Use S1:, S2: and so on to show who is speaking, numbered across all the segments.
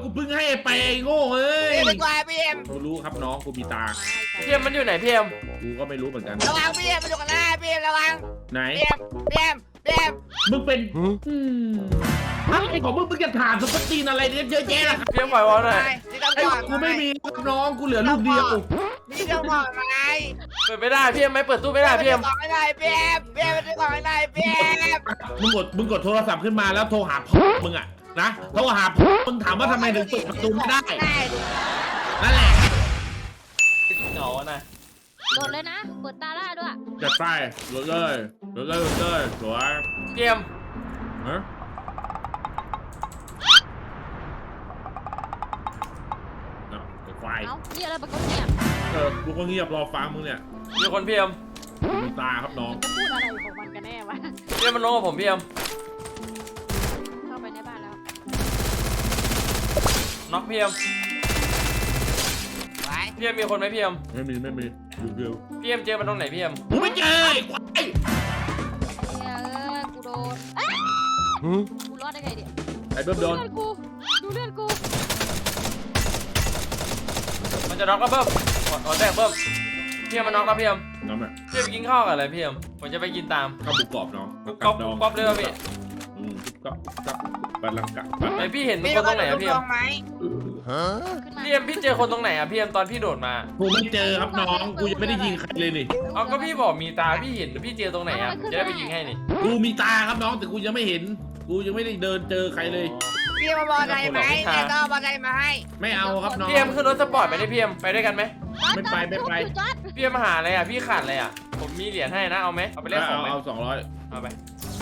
S1: กูเพิ่งให้ไปไอ้โง่เอ้ย
S2: พี่เป็นกวายพี่เอ็ม
S1: กูรู้ครับน้องกูมีตา
S3: พี่เอ็มมันอยู่ไหนพี่เอ็ม
S1: กูก็ไม่รู้เหมือนกัน
S2: ระวังพี่เอ็มมันอยู่กันหน้าพี่เอ็มระวัง
S1: ไหน
S2: พี่เอ็มพี่เอ็ม
S1: มึงเป็นอะไรของมึงจะถามสปตีนอะไรเนี่ยเยอะแยะล่ะครับ
S3: พี่เอ็มปล่อยวอลหน่อย
S2: นี่ต้อง
S1: ไอ้
S2: บอก
S1: กูไม่มีครับน้องกูเหลือลูกเดียว
S2: นี่ต้องบอกไง
S3: เปิดไม่ได้พี่เอ็มไม่เปิดตู้ไม่ได้พี่เอ็ม
S2: บอกไม่ได้พี่เอ็มพี่เอ็มมันจะบอกไม่ได้พี่เอ็ม
S1: มึงกดโทรศัพท์ขึ้นมาแล้วโทรหาพ่อมึงอะนะโทรหาพ่อมึงถามว่าทำไมถึงเปิดประตูไม่ได้
S2: ได้
S1: นั่นแหละ
S3: เหงานะ
S4: โดดเลยนะ เปิดตาล่าด้วย
S1: จัดไปเลยสวย
S3: พี่เอ็ม
S1: ฮะไอ้ควาย
S4: เอ้านี่อะไรปะกเนี่ย
S1: กูก็เงียบรอฟังมึงเนี่ย
S3: มีคนพี่เอ็ม
S1: มีตาครับน้อง
S4: จะพูดอะไรอยู่ของมันกันแน่วะ
S3: พี่เอ็มมันลงกับผมพี่เอ็ม
S4: เข้าไปในบ้านแล้ว
S3: น็อกพี่เอ็ม
S2: ไว้
S3: พี่เอ็มมีคนไหมพี่เอ็ม
S1: ไม่มีเดียว
S3: พี่เอ็มเจอมันตรงไหนพี่เอ็ม
S1: กูไม่เจอไอ้ควาย
S4: เฮ้ยกูโดนกูรอดได้ไงเนี่ย
S1: ไอ้เบิ้มโดน
S4: เลือดกูดูเลือดกู
S3: มันจะน็อกแล้วเบิ้มขอแตกเบิ้มพี่เอ็มมันน็อกแล้วพี่เอ็ม
S1: น้ำอ่ะ
S3: พี่เอ็มกินข้าวกับอะไรพี่เอ็มผมจะไปกินตาม
S1: ข้าวหมูกรอบน้อง
S3: ก๊อปก๊อปเลยว่ะพี่
S1: ก๊อปปลาลังกะ
S3: ไอพี่เห็นมันคนตรงไหนอะพี่เอ็ม
S2: ไหม
S4: ขึ้นมา
S3: พี่เอ็มพี่เจอคนตรงไหนอะพี่เอ็มตอนพี่โดดมา
S1: กูไม่เจอครับน้องกูยังไม่ได้ยิงใครเลยนี่
S3: เอาก็พี่บอกมีตาพี่เห็นพี่เจอตรงไหนอะจะได้ไปยิงให้นี่
S1: กูมีตาครับน้องแต่กูยังไม่เห็น กูยังไม่ได้เดินเจอใครเลย
S2: พี่มาบอกอะไรไหมเนี่ยก็บอกอะไรมาให้
S1: ไม่เอาครับน้อง
S3: พี่เอ็มขึ้นรถสปอร์ตไปได้พี่เอ็มไปด้วยกันไหม
S1: ไม่ไป
S4: จอด
S3: พี่เอ็มมาหาอะไรอะพี่ขาดอะไรอะผมมีเหรียญให้นะเอาไหมเอาไปเล่นของไหม
S1: เอา200
S3: เอาไป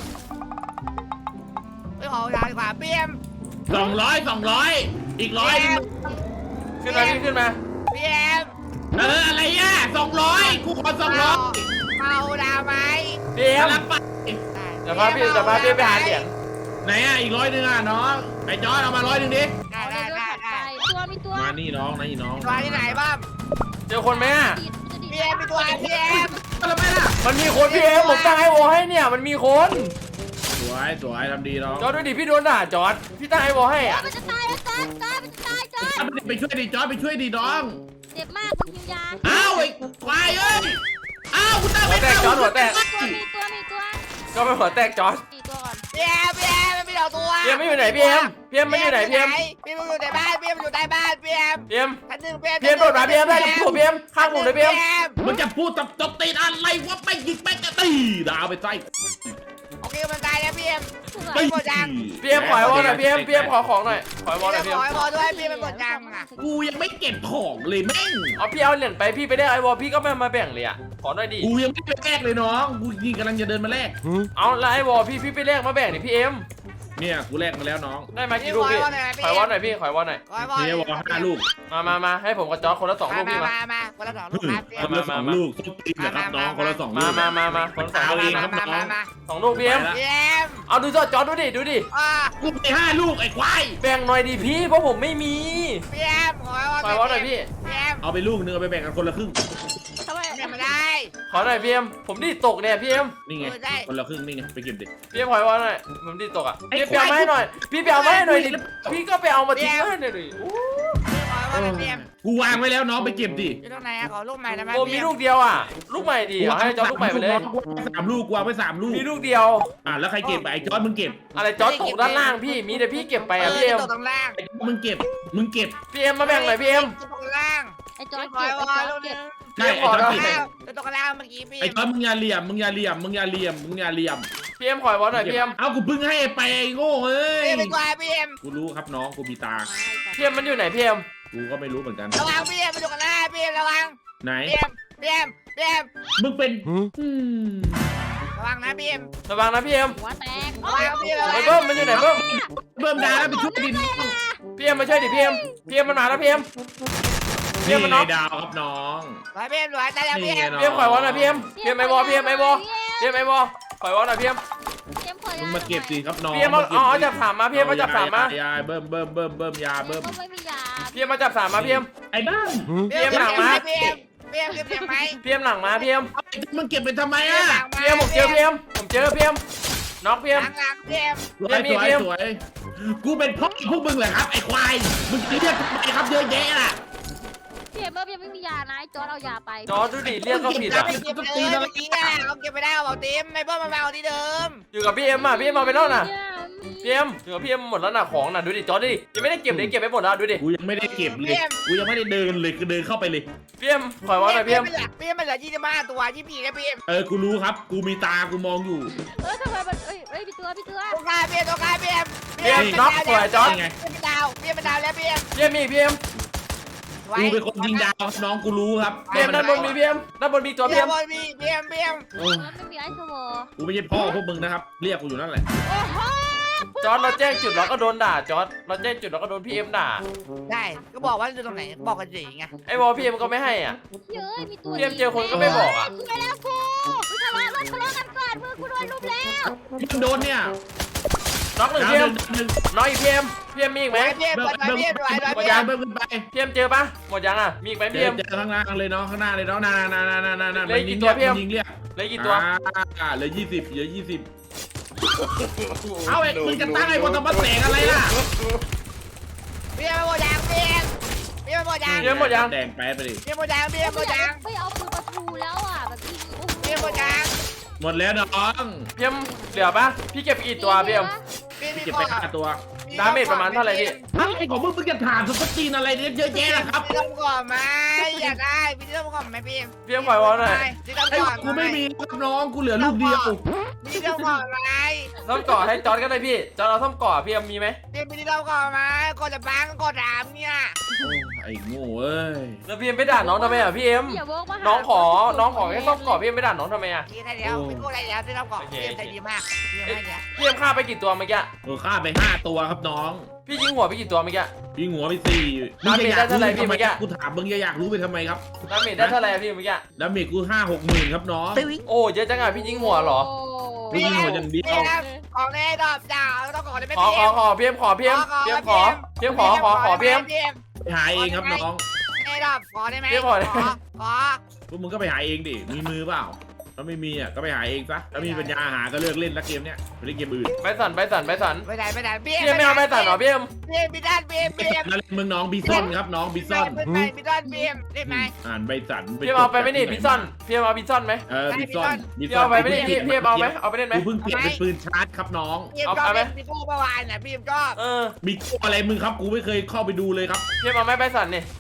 S2: ไปขอทางดีกว่าพี่เอ็ม
S1: 200อีก100นึง
S3: ขึ้นมาพี่ขึ้นมา
S2: พี่เอ็ม
S1: อะไรอ่ะ200กูขอ200
S2: เมาดาวไหม
S3: พี่เอ็ม
S1: รับไป
S3: จะพาพี่ไปหาเหรียญ
S1: ไหนอ่ะอีก100นึงอ่ะน้องไอ้จอยเอามา100นึงดิ
S2: ได้
S4: เอา
S2: ได้
S4: เลือ
S2: ได้
S4: ด
S2: ได้
S4: ไปตัวมีตัว
S1: มานี่น้องน้อง
S2: ตัวที่ไหนบ้าง
S3: เจอคนไหมอะ
S2: พี่เอ็มมีตัวพี่เอ็ม
S1: อะไรไม่ล่ะ
S3: มันมีคนพี่เอ็มผมตั้งไอโอให้เนี่ยมันมีคน
S1: สวยทำดีน้อง
S3: จอร์ดดูดิพี่โดนด่าจอร์ดพี่ตั้งไอโอให้อะ
S4: มันจะตายแล้วจอดมันจะตายจอด
S1: ไปช่วยดิจอยไปช่วยดิน้อง
S4: เจ็บมากมันกินยา
S1: อ้าวไอ้ควายเอ้ยอ้าวกูตั้ง
S3: หัวแตกจอร์ดหัวแตก
S4: มีตัว
S3: ก็ไปหัวแตกจอร์ด
S4: มีตัวก่อน
S2: พี่เอ็มมันมีดอกตัว
S3: พี่เอ็มไม่อยู่ไหนพี่เอ็มพี่เอ็มมันอยู่ไหนพี่เอ็ม
S2: พี่มันอยู่ในบ้านพี่มันอยู่ใต้บ้านพี่เอ็ม
S3: พี่เอ็ม
S2: ชั้นหนึ่ง
S3: พี่เอ็มโดดมาพี่เอ็มได้กับผมพี่เอ็มข้างผมเลยพี่เอ็ม
S1: มึงจะพูดตบตีนอะไรวะไม่ยิงไม่จะตีดาวไปใส่
S2: โอเคมันตายแล้วพี่เอ็ม
S1: ไม่
S3: พี่เอ็มขอไอวอลหน่อยพี่เอ็มขอของหน่อยขอไอวอลหน่อยพี่
S2: ข
S3: เอ็
S2: อ
S3: ม
S2: ให้พอด้วยพี่มันกดยังอ่ะ
S1: กูยังไม่เก็บของเลยแม่ง
S3: เอาพี่เอาเหรียญไปพี่ไปได้ไอวอลพี่ก็ไม่มาแบ่งเลยอะขอหน่อยดิ
S1: กูยังไม่ไปแลกเลยน้องกูยิงกำลังจะเดินมาแลก
S3: เอาแล้วไอวอลพี่ไปแลกมาแบ่งดิพี่เอ็ม
S1: เนี่ยกูแลกมาแล้วน้อง
S3: ได้มากี่ลูกพี่ขอไอวอลหน่อยพี่ขอไอวอลหน่อย
S2: ขอให้พอ
S1: เนี่ยวอ5ลูก
S3: มาให้ผมกับจอร์ดคนละ2ลูกพี่มา
S2: มาคนละ2ลูกครับพี่
S1: คนละ2ลูกส้นตีนนะครับน้องคนละ2ลูก
S3: มาคนละ2ลูกพี่
S1: ครับน้อง
S3: 2ลูกพี่เอ็ม
S2: พี่เอ็ม
S3: เอาดูจอร์ดดูดิ
S1: กูไป5ลูกไอ้ควาย
S3: แบ่งหน่อยดิพี่เพราะผมไม่มี
S2: พี่เอ็มขอให้พอ
S3: ขอไอวอลหน่อยพี่
S2: พี่เอ็ม
S1: เอาไปลูกนึงเอาไปแบ่งกันคนละครึ่ง
S4: ทำไม
S2: เนี่ยไม่ได้
S3: ขอหน่อยพี่เอ็มผมดีตกเนี่ยพี่เอ็ม
S1: นี่ไงคนละครึ่งนี่ไงไปเก็บดิ
S3: พี่ขอไอวอลหน่อยผมดีตกอ่ะพี่ไปเอามาให้หน่อยพี่ไปเอามาให้หน่อยดิพี่ก็ไปเอามาทิ้งให้หน่อยดิ
S2: ขอให้พอพี่เอ็ม
S1: กูวางไว้แล้วน้องไปเก็บดิ
S2: อยู่ตรงไหนขอลูกใหม่ได้ไหม
S3: โอ้มีลูกเดียวอ่ะลูกใหม่ดิเอาให้จอร์ดลูกใหม่ไปเลย
S1: 3ลูกกูวางไว้3ลูก
S3: มีลูกเดียว
S1: แล้วใครเก็บไอ้จอร์ดมึงเก็บ
S3: อะไรจอร์ดตกด้านล่างพี่มีแต่พี่เก็บไปอ่ะพี่เอ็ม
S2: ตรงล่าง
S1: ไอ้จอร์ดมึงเก็บ
S3: พี่เอ็มมาแบ่งหน่อยพี่เอ็ม
S2: ตรงล่าง
S4: ไอ้จอด
S2: ขอ
S4: เก็บ
S2: ให้
S4: ไอ้
S2: พ
S4: จ
S2: อ
S4: อด
S2: ลูกนึ
S4: เก็บ
S2: ง
S1: ใช่ไอ้จอร์ดเก็บ
S2: ตรงล่างเมื่อกี้พี่
S1: ไอ้จอร์ดมึงอย่าเหลี่ยม
S3: พี่เอ็มขอไอวอลหน่อยพี่เอ็ม
S1: เอากูเพิ่งให้ไปไอ้โง่เอ้ย
S2: พี่เป็นกวายพี่เอ็ม
S1: กูรู้ครับน้องกูมีตา
S3: พี่เอ็มมันอยู่ไหนพี่เอ็ม
S1: กูก็ไม่รู้เหมือนกัน
S2: ระวังพี่เอ็มมันอยู่กันหน้าพี่เอ็มระวัง
S1: ไหน
S2: พี่เอ็มพี่เอ็ม
S1: มึงเป็น
S2: ระวังนะพี่เอ็ม
S3: ระวังนะพี่เอ็ม
S4: หัวแตก
S2: ระวังพี่เอ็ม
S3: ไอ้เบิ้มมันอยู่ไหนเบิ้ม
S1: เบิ่มดาแล้วไปช่วยดิน
S3: พี่เอ็มมาช่วยดิพี่เอ็มมันมาแล้วพี่เอ็มพี่
S1: นี่
S3: เอ็มมัน
S1: ไง
S3: น็อก
S1: ดาวครับน้อง
S2: ไปพี่เอ็มหน่อยตายแล้วพี่เอ็ม
S3: พี่เอ็มขอไอวอลหน่อยพี่เอ็มไอวอลพี่เอ็มไอวอลขอไอวอลหน่อยพี่เอ็ม
S1: มึงมาเก็บสิครับน้อง
S3: พี่เอ็มเอาจับสามมาพี่เอ็มมาจับสามมาย
S1: าเบิ่มยาเบิ่ม
S4: ก็ไม่มียา
S3: พี่เอ็มมาจับสามมาพี่เอ็ม
S1: ไอ้บ้าน
S2: พี่เอ็มหลังมาพี่เอ็มพี่เอ็มเก็บเสียงไหม
S3: พี่เอ็มหลังมาพี่เอ็ม
S1: มึงเก็บไปทำไมอ่ะ
S3: พี่เอ็มผมเจอพี่เอ็มน็อกพี่เอ็ม
S2: หลังพี่เอ็ม
S1: สวยกูเป็นพ่อพวกมึงเหรอครับไอ้ควายมึงเรียกทำไมครับเยอะแยะล่ะ
S4: พี่เอ็มเบิร์ยังไม่มียานะไอ้จอร์ดเอายาไป
S3: จอร์ดดูดิเรียกก็ผิดอ่ะ
S2: เก็บเลยเมื่อกี้อ่ะเขาเก็บไปได้เอาเต็มไม่เพิ่มมาเอาที่เดิม
S3: อยู่กับพี่เอ็มอ่ะพี่เอ็มเอาไปแล้วน่ะ
S4: เนี่ย
S3: พี่เอ็มอยู่กับพี่เอ็มหมดแล้วน่ะของน่ะดูดิจอร์ดดิยังไม่ได้เก็บเลยเก็บไปหมดแล้วดูดิ
S1: กูยังไม่ได้เก็บเลยกูยังไม่ได้เดินเลยคือเดินเข้าไปเลย
S3: พี่เอ็มปล่อยไว้หน่อยพี่เอ็ม
S2: พี่เอ็มมันเหลือ25ตัว24แล้วพี่เอ็ม
S1: กูรู้ครับกูมีตากูมองอยู่
S4: ทำไมมันเอ้ยพี่ตัว
S2: ตัวกลายพี่เอ็มตัวกลายพี่เอ็ม
S3: พี่เอ็มน็อกสวยจอร์ด
S2: พี่เอ็มเป็นดาวพี่เอ็มเป็นดาวแล้วพี่เอ็ม
S3: พี่เอ็มมีพี่เอ็ม
S1: กูเป็นคนยิงดาวครับน้องกูรู้ครับ
S3: พี่เอ็มด้านบนมีพี่เอ็มด้านบนมีตัว
S2: พี่
S3: พี่
S2: เอ็
S3: เอ็
S2: ม
S3: ม
S2: พี่เอ็มพี่เอ็ม
S4: แล้วไม่มีไอซ์สวอ
S1: กูไม่ใช่พ่อพวกมึงนะครับเรียกกูอยู่นั่นแหละ
S4: โอ้โห
S3: จอร์ดเราแจ้งจุดเราก็โดนด่าจอร์ดเราแจ้งจุดเราก็โดนพี่เอ็มด่า
S2: ได้ก็บอกว่าอยู่ตรงไหนบอกกันสิไง
S3: ไอ้วอลพี่เอ็มก็ไม่ให้อ่ะ
S4: เย้ยมีตัว
S3: พี่เอ็มเจอคนก็ไม่บอกอ่ะ
S4: ไปแล้วกูทะเลาะกันก่อนมือกูโดนลุมแล้ว
S1: มันโดนเนี่ย
S3: น็อกหนึ่ง
S1: ดาว
S3: พี่เอ็ม
S1: หนึ่ง
S3: น้อยอีกพี่เอ็มพี่เอ็มมีอีกไหม
S2: พี่เอ็ม
S1: เบิ้
S2: เปิด
S1: ม
S2: ไฟพี่เอ็มไหว
S1: เบิ้ม
S2: พี่เอ็ม
S1: เบิ้มขึ้นไป
S3: พี่เอ็มเจอปะหมดยังอ่ะมีอีกไหม
S1: เจ
S3: พี่เอ็
S1: อ
S3: ม
S1: ข้างล่างเลยเนาะข้างหน้าเลยเนาะนามัน
S3: เหลือ
S1: ยิ
S3: กี่
S1: ง
S3: ตัว
S1: เรียก
S3: พี่เอ็ม
S1: มันยิงเรียก
S3: เหลือกี่ตัว
S1: เหลือ20เหลือ20เอาไอ้มึงจะตั้งไอ้บนตะบันแสงอะไรล่ะ
S2: พี่เอ็มหมดยางพี่เอ็มพี่เอ็มหมดยาง
S3: พี่เอ็มหมดยัง
S1: แดงแป๊ดไปดิ
S2: พี่เอ็มหมดยางพี่เอ็มหมดยาง
S4: ไม่เอาปืนประตูแล้วอ่ะแบบยิง
S2: พี่เอ็มหมดยาง
S1: หมดแล้วน้อง
S3: พี่เอ็มเหลือปะพี่เก็บกี่ตัวพี่เอ็ม
S2: พี่
S1: เก็บไป5ตัว
S3: ดาเมจประมาณเท่าไหร่พี่
S1: ไอ้ของมึงจะถามสุดจีนอะไรเนี่ยเยอะแยะนะครับ
S2: พี่ต้องก่อนไหมอยากได้พี่ต้องก่อนไหมพี่เอ็ม
S3: พี่เอ็มปล่อยวอลหน่อย
S2: พี่ต้อง
S1: ไอ้
S2: ก่อน
S1: กูไม่มีครับน้องกูเหลือลูกเดียว
S2: พี่ต้องก่อนไหม
S3: ซ่อมก่อให้จอร์ดก็ได้พี่จอร์ดเราซ่อมก่อพี่เอ็มมีไหม
S2: พี่ต้องก่อนไหมก่อนจะบังก่อนถามเนี่ย
S1: ไอ้โง่เอ้ย
S3: แล้วพี่เอ็มไปด่าน้องทำไมอ่ะพี่เอ็ม
S4: อย่าโวกมา
S3: น้องขอแค่ซ่อมก่อพี่เอ็มไปด่าน้องทำไมอ่ะ
S2: พี่ได้แล้วพี่ก็ได้แล้วพี่ต้องก่อนพี่เอ็มใจดีมากพี่เอ็มให้เนี่ย
S3: พี่เอ็มฆ่าไปกี่ตัวเมื่อกี้
S1: ฆ่าไป5ตัวครับน้อง
S3: พี่ยิงหัวไปกี่ตัวเมื่อกี้
S1: ยิงหัวไป4
S3: ดาเมจได้เท่าไหร่พี่เมื่อกี้
S1: กูถามมึงอยากรู้ไปทำไมครับ
S3: ดาเมจได้เท่าไหร่พี่เมื่อกี้
S1: ดาเมจกู5-6หมื่นครับน้อง
S3: โอ้เยอะจังอ่ะพี่ยิงหัวเหรอ
S1: พี่ยิงหัวอย่างเดียว
S2: ของแน่ดอกจ่าต้องก่อนได้ไหม
S3: ขอ
S2: พี่เอ็ม
S3: พี่เอ็มขอพี่เอ็มพี่เอ็มขอพี่เอ็มขอพี่เอ็ม
S2: พี่เอ็ม
S1: ไปหาเองครับน้อง
S2: แน่ดอกขอได้ไหม
S3: พี่ขอได้
S2: ขอ
S1: พวกมึงก็ไปหาเองดิมีมือเปล่าถ้าไม่มีอ่ะก็ไปหาเองซะถ้ามีปัญญาหาก็เลิกเล่นละเกมเนี้ยไปเล่นเกมอื่น
S3: ใบสัน
S2: ไม่ได้พี่
S3: พี่เอ็มไม่เอาใบสันเหรอพี่เอ็ม
S2: พี่ด้านพี่เอ็ม
S1: แล้วมึงน้องบีซอนครับน้องบีซอน
S2: พี่ด้านพี่เอ็มได้ไหม
S1: อ่านใบสัน
S3: พี่เอ็มเอาไปไหมนี่บิซอนพี่เอ็มเอาบิซอนไหม
S1: บีซอน
S3: พี่เอาไปไหมนี่พี่เอ็มเอาไหมเอาไปเล่นไหม
S1: กูเพิ่งเปลี่ยนเป็นปืนชาร์จครับน้อง
S2: พี่เอ็มก็เป็นพี่โก้เมื่อวานน่ะพี่เอ็มก็
S1: มีอะไรมึงครับกูไม่เคยเข้าไปดูเลยครับ
S3: พี่เอ็มเอาไหมใบสันนี่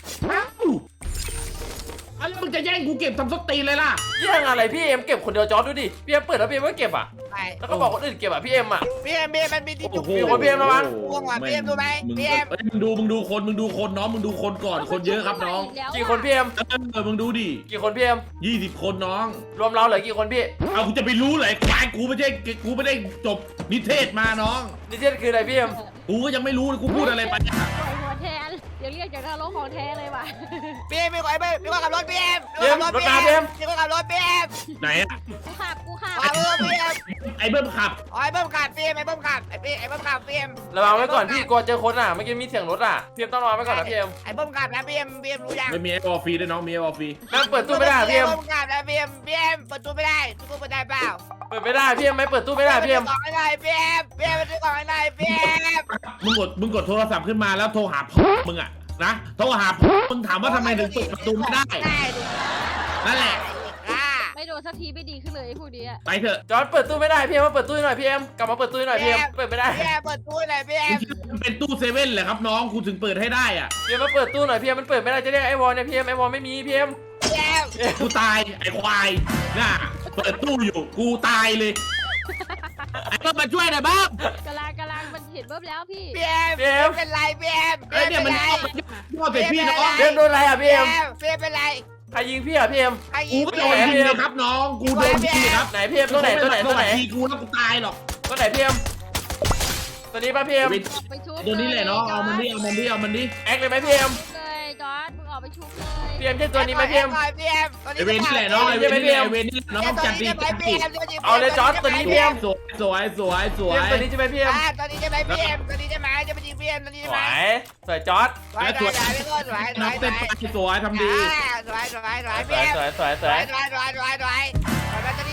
S1: แล้วมึงจะแย่งกูเก็บทำสตีนเลยล่ะ
S3: แย่งอะไรพี่เอ็มเก็บคนเดียวจอร์ดดูดิพี่เอ็มเปิดแล้วพี่เอ็มก็เก็บอ่ะ
S2: ไป
S3: แล้วก็บอกคนอื่นเก็บอ่ะพี่เอ็มอ่ะ
S2: พี่เอ็มมันมีที่จุก
S3: มีคนพี่เอ็มระวัง
S2: พี่เอ็มดูไหมพี่เอ็ม
S1: มึงดูคนน้องมึงดูคนก่อนคนเยอะครับน้อง
S3: กี่คนพี่เอ็ม
S1: มึงดูดิ
S3: กี่คนพี่เอ็ม
S1: 20 คนน้อง
S3: รวมเราเหลือกี่คนพี่
S1: เอากูจะไปรู้เลยควายกูไม่ได้จบนิเทศมาน้อง
S3: นิเทศคืออะไรพี่เอ็ม
S1: กูก็ยังไม่รู้เลยกูพูดอะไรไปอะ
S4: หัวแทนเดี๋ยวเรียกจากนรกของแท้เลยว่ะ
S2: พี่เอ็มมีคนขับรถพี่เอ็มมีคนขับรถพี่เอ็ม
S1: ไหนอะ
S4: กูขับ
S2: ขับรถพี่เอ็ม
S1: ไอ้เบิ้มขับ
S2: ไอ้เบิ้มขับพี่เอ็มไอ้เบิ้มขับไอ้เบิ้มขับพี่เอ็ม
S3: ระวังไว้ก่อนพี่กลัวเจอคนอ่ะเมื่อกี้มีเสียงรถอ่ะพี่เอ็มต้องระวังไว้ก่อนนะพี่เอ็ม
S2: ไอ้เบิ้มขับนะพี่เอ็มรู้ยัง
S1: ไม่มีไอ้บอลฟรีด้วยน้องมีไอ้บอลฟรี
S3: แม่งเปิดตู้ไม่ได้พี่เอ็ม
S2: เบิ้มขับนะพี่เอ็มเปิดตู้ไม่ได้ตู้เปิดได้เปล่า
S3: เปิดไม่ได้พี่เอ็มไม่เปิดตู้ไม่ได้พี่เอ็ม
S2: กล่องอะไรพี่เอ็มไปซื้อกล่องอะไรพี่เอ็ม
S1: มึงกดโทรศัพท์ขึ้นมาแล้วโทรหาพ่อมึงอะนะโทรหาพ่อมึงถามว่าทำไมถึงเปิดประตูไม่ได้นั่นแหละ
S4: ไม่โดนสักทีไม่ดีขึ้นเลยไอ้พวกนี้
S1: ไปเถอะ
S3: จอร์ดเปิดตู้ไม่ได้พี่เอ็มมาเปิดตู้หน่อยพี่เอ็มกลับมาเปิดตู้หน่อยพี่เอ็มเปิดไม่ได้
S2: พี่เอ็มเปิดตู้หน่อยพี่เอ็ม
S1: มันเป็นตู้เซเว่นแหละครับน้องกูถึงเปิดให้ได้อ่ะ
S3: พี่เอ็มมาเปิดตู้หน่อยพี่เอ็มมันเปิดไม่ได้จะเรียกไอ้วอลเนี่ยพี่เอ็มไอ้วอลไม่มีพี่เอ็ม
S2: พี่เอ็ม
S1: กูตายไอ้ควายน่ะเปิดตู้อยู่กูตายเลยไอ้เบิ้มมาช่วยหน่อยบ้าง
S4: กำลังมันเห็นเบิ้มแล้วพี่
S2: พี่เอ็มเป็นไรพี่เอ็ม
S1: ไอ้เนี่ยมันย่อใส่พี่น้อง
S3: พี่เอ็มโดนอะไรอ่ะพี่เอ็ม
S2: พี่เอ็มเป็นไร
S3: ใครยิงพี่อ่ะพี่เอ็ม
S2: ใคร
S1: กู
S2: ยิง
S1: ก็โดนยิงเลยครับน้องกูโดนยิงครับ
S3: ไหนพี่เอ็มตัวไหนตัวไหนตัวไหน
S1: ทีกูแล้วกูตายหรอก
S3: ตัวไหนพี่เอ็มตัวนี้ป่ะพี่เอ็ม
S4: ไปชุบ
S1: ตัวนี้แหละน้องเอามันดิเอามันดิ
S3: แอคเลยไหมพี่เอ็ม
S4: เลยจอร์ดมึงออกไปชุบเลย
S3: พี่เอ็มใช่ตัวนี้ไหมพี่เอ็ม
S2: พี่เอ็ม
S1: ไอเวนนี่แหละน้องไอเวนนี่แหละไอเวนนี่น้องจัดตีจัดตี
S3: เอาเลยจอร์ดตัวนี้พี่เอ็ม
S1: สวยสวยสวยสว
S3: พี่เอ็ม
S1: ย
S3: ตัวนี้ใช่ไหมพี่เอ็ม
S2: ตอนนี้จะไปพี่เอ็มตอนนี้จะมาจะไปยิงพี่เอ็มตอนนี้
S3: ส
S2: จะ
S3: ว
S2: มาย
S3: สวยจอร์ด
S2: สวยสวยสวย
S1: น้องเต้นไปสวยทำดี
S2: สวยสวยสวย
S3: ส
S2: พี่
S3: วย
S2: เอ็ม
S3: สวยสวยส
S2: ส
S3: ว
S2: วย ยสวยสวยสวยตอนนี้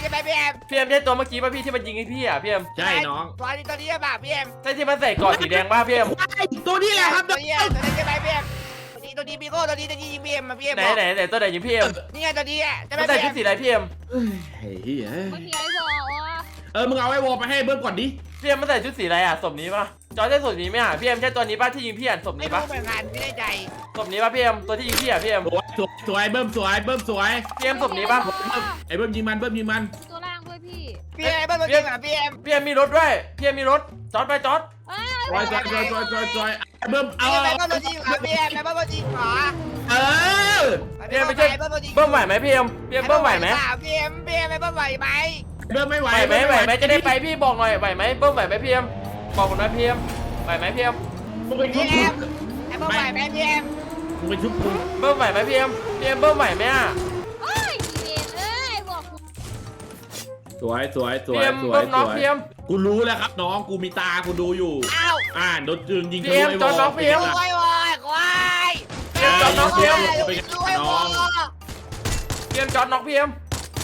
S2: ช่ไหมพี่เอ็ม
S3: พี่เอ็มใช่ตัวเมื่อกี้ป่ะพี่ที่มันยิงให้พี่อ่ะพี่เอ็ม
S1: ใช่น้อง
S2: ตัวนี้ใช่ป่ะพี่เอ็ม
S3: ใช่ที่มันใส่เกราะสีแดงป่ะพี่เอ็ม
S1: ตัวนี้แหละครับ
S2: ตัวนี้ใช่ไหมพี่เอ็มตัวนี้พี่โก้ตัวนี้จะยิงพี่เอ็มมาพี่เอ็ม
S3: ไหนตัวไหนยิงพี่เอ็ม
S2: นี่ไงตัวนี้อ่ะจะ
S3: มั
S2: ไม่
S3: นใส่
S2: พี่
S3: ชุ
S2: เอ็
S3: ด
S2: ม
S3: สีอะไรพี่เอ็ม
S1: เฮ้ย
S4: มึงมีไอ้บอกว่า
S1: มึงเอาไอ้วอลไปให้เบิ้มก่อนดิ
S3: พี่เอ็มมันใส่ชุดสีอะไรอ่ะศพนี้ป่ะจอใช่ศพนี้ไหมอ่ะพี่เอ็มใช่ตัวนี้ป่ะที่ยิงพี่อ่ะศพ
S2: ไม่
S3: นี้
S2: รู้
S3: ป่ะ
S2: เหมือนกันไม่ได้ใจ
S3: ศพนี้ป่ะพี่เอ็มตัวที่ยิงพี่อ่ะพี่เอ็ม
S1: สวยเบิ้มสวยเบิ้มสวย
S3: พี่เอ็มศพนี้ป่ะ
S1: ไอ้เบิ้มยิงมันเบิ้มยิงมัน
S4: ตัวล่างด้วยพี่
S2: พี่เอ็มเป็นตัวจริงเหรอพี่เอ็ม
S3: พี่เอ็มมีรถด้วยพี่เอ็มมีรถจอดไปจอด
S4: เอ้ย
S1: สวยไอ้เบิ้มเอา
S2: พี่เอ็มเป็นตัวจริงเหรอพี่เอ็มเป็นตัวจริงเหรอ
S3: พี่เอ็มไม่ใช่เบิ้มไหวไหมพี่เอ็มพี่เอ็มเบิ้มไหวไหม
S2: พี่เอ็มเป็นเบิ้มไหวไหม
S1: เบิ้มไม่ไหว
S3: ไหวไหมจะได้ไปพี่บอกหน่อยไหวไหมเบิ้มไหวไหมพี่เอ็มบอกผมนะพี่เอ็มไหวไหมพี่เอ็ม
S1: มึงไปชุ
S2: พี่
S1: บ
S2: เอ็มไอ้เบิ้มไหวไหมพี่เอ็ม
S1: มึงไปชุบกู
S3: เบิ้มไหวไหมพี่เอ็มพี่เอ็มเบิ้มไหวไหมอ่ะ
S4: เอ้ยเอ็นเอ้ยบอกกู
S1: สวย
S3: พี่เอ็มเบิ้มน็อกพี่เอ็ม
S1: กูรู้แล้วครับน้องกูมีตากูดูอยู่
S2: อ้าว
S1: โดนจืนยิง
S3: พี่เอ็มจอดน็อกพี่เอ็ม
S2: ควายควาย
S3: พี่เอ็มจอดน็อกพี่เอ็ม
S2: น้อง
S3: พี่เอ็มจอดน็อกพี่เอ็ม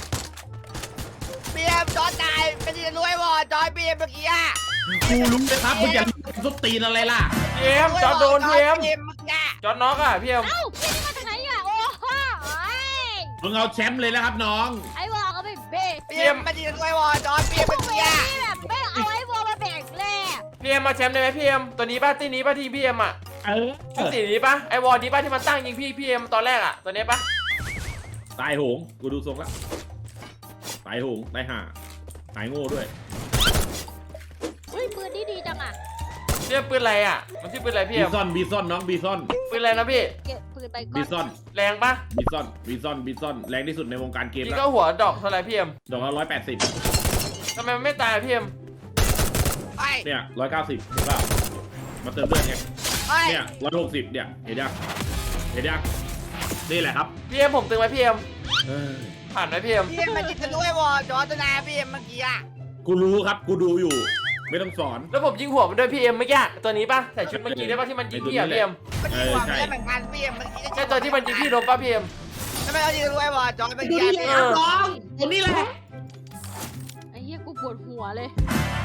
S2: พี่เอ็มจอดตายเป็นที่รวยวอจอยพี่เอ็มเมื่อกี้อะ
S1: กูรู้เลยครับมึงอย่าซุบตีนอะไรล่ะ
S3: พี่เอ็มจอดโดนพี่เอ็ม
S2: เอ็มเมื่อกี้
S3: จอดน็อกอ่ะพี่เอ็ม
S4: เอ้าพี่นี่มาจากไหนอ่ะโอ้โหเอ้ย
S1: มึงเอาแชมป์เลยนะครับน้อง
S4: ไอ้บอกก็ไม่เบ๊ะ
S2: พี่เอ็มเป็นที่รวยวอจอยพี่เอ็ม
S4: พว
S2: เมื่
S4: ก
S2: อ
S4: มึง
S2: กี้
S4: นี่แบบไม่เอาไอ้บอกมาแบ่งแลก
S3: พี่เอ็มมาแชมป์ได้ไหมพี่เอ็มตัวนี้ป่ะที่นี้ป่ะที่พี่เอ็มอ่ะ ชุดสีนี้ปะไอวอลนี้ปะที่มันตั้งยิงพี่เอ็มตอนแรกอะตัวนี้ปะ
S1: ตายโหงกูดูทรงแล้วตายโหงตายห่าตายโง่ด้วย
S4: เฮ้ยปืนนี่ดีจังอ่ะ
S3: เรียกปืนอะไรอะมันชื่อปืนอะไรพี่
S1: บี
S3: เอ็ม
S1: ซอนน้องบีซอน
S3: ปืนอะไรนะพี่
S4: เก็บปืนไปก่
S1: บี
S4: อน
S1: ซอน
S3: แรงปะ
S1: บีซอนแรงที่สุดในวงการเกม
S3: พี่
S1: แล้
S3: ก็
S1: ว
S3: หัวดอกเท่าไหรพี่เอ็ม
S1: ดอกละ180
S3: ทำไมมันไม่ตายอะพี่เอ็ม
S2: ไอ้
S1: เนี่ย190เห็นเปล่ามาเติมเลือดไง
S2: ไอ้
S1: เนี่ย160เนี่ยเห็นยังนี่แหละครับ
S3: พี่เอ็มผมตึงไหมพี่เอ็มผ่านไหมพี่เอ็ม
S2: พี่เอ็มเป็นที่รวยวอจอยตัวนาพี่เอ็มเมื่อกี้อะ
S1: กูรู้ครับกูดูอยู่ ไม่ต้องสอน
S3: แล้วผมยิงหัวมันด้วยพี่เอ็มเมื่อกี้ตัวนี้ปะใส่ชุดเมื่อกี้ได้ปะที่มันยิงพี่อะพี่เอ็ม
S2: เมื่อกี้หัวไม่ได้เหมือนกันพี่เอ็มเมื่อกี้
S3: ใช่ตัวที่มันยิงพี่โดนปะพี่เอ็ม
S2: ทำไมเขาที่รวยวอจอยเมื่อกี้
S1: น้องตัวนี้แหละ
S4: ไอ้เหี้ยกูปวดหัวเลย